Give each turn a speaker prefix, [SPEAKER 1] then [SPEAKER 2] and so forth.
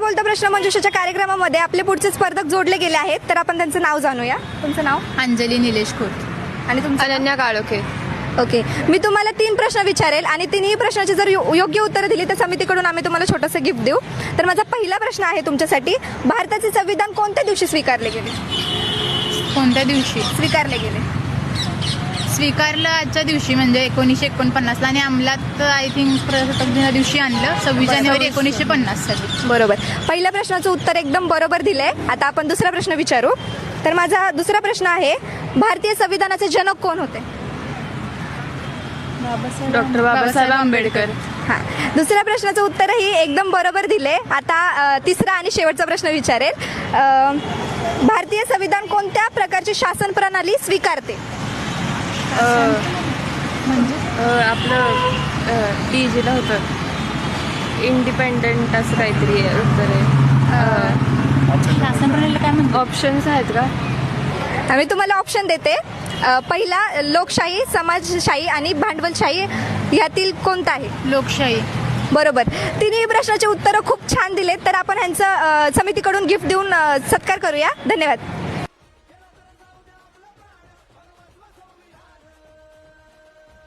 [SPEAKER 1] बोलता प्रश्न मंजुषाच्या कार्यक्रमामध्ये आपले पुढचे स्पर्धक जोडले गेले आहेत, तर आपण त्यांचं नाव जाणूया. तुमचं नाव?
[SPEAKER 2] अंजली निलेश खोत.
[SPEAKER 1] आणि तुमचं?
[SPEAKER 3] अनन्या काळोखे.
[SPEAKER 1] ओके, मी तुम्हाला 3 प्रश्न विचारेल आणि तिन्ही प्रश्नाची जर योग्य उत्तरं दिली तर समितीकडून आम्ही तुम्हाला छोटंसं गिफ्ट देऊ. तर माझा पहिला प्रश्न आहे तुमच्यासाठी, भारताचे संविधान कोणत्या दिवशी स्वीकारले गेले?
[SPEAKER 2] कोणत्या दिवशी
[SPEAKER 1] स्वीकारले गेले?
[SPEAKER 2] स्वीकारलं आजच्या दिवशी, म्हणजे 1949ला, आणि अंमलात आय थिंक प्रजासत्ताक दिना दिवशी आणलं 26 जानेवारी 1950 साली.
[SPEAKER 1] बरोबर. पहिल्या प्रश्नाचं उत्तर एकदम बरोबर दिलंय. आता आपण दुसरा प्रश्न विचारू. तर माझा दुसरा प्रश्न आहे, भारतीय संविधानाचे जनक कोण होते?
[SPEAKER 3] डॉक्टर बाबासाहेब आंबेडकर.
[SPEAKER 1] हां, दुसऱ्या प्रश्नाचं उत्तरही एकदम बरोबर दिले. आता तिसरा आणि शेवटचा प्रश्न विचारेल. भारतीय संविधान कोणत्या प्रकारची शासन प्रणाली स्वीकारते?
[SPEAKER 3] आपलं DGला होतं इंडिपेंडंट असं काहीतरी उत्तर आहे.
[SPEAKER 2] शासन प्रणालीला काय म्हणतात?
[SPEAKER 3] ऑप्शन्स आहेत का?
[SPEAKER 1] मी तुम्हाला ऑप्शन देते. पहिला लोकशाही, समाजशाही आणि भांडवलशाही यातील कोणता आहे?
[SPEAKER 2] लोकशाही.
[SPEAKER 1] बरोबर. तिन्ही प्रश्नाचे उत्तरं खूप छान दिलेत. तर आपण ह्यांचं समितीकडून गिफ्ट देऊन सत्कार करूया. धन्यवाद.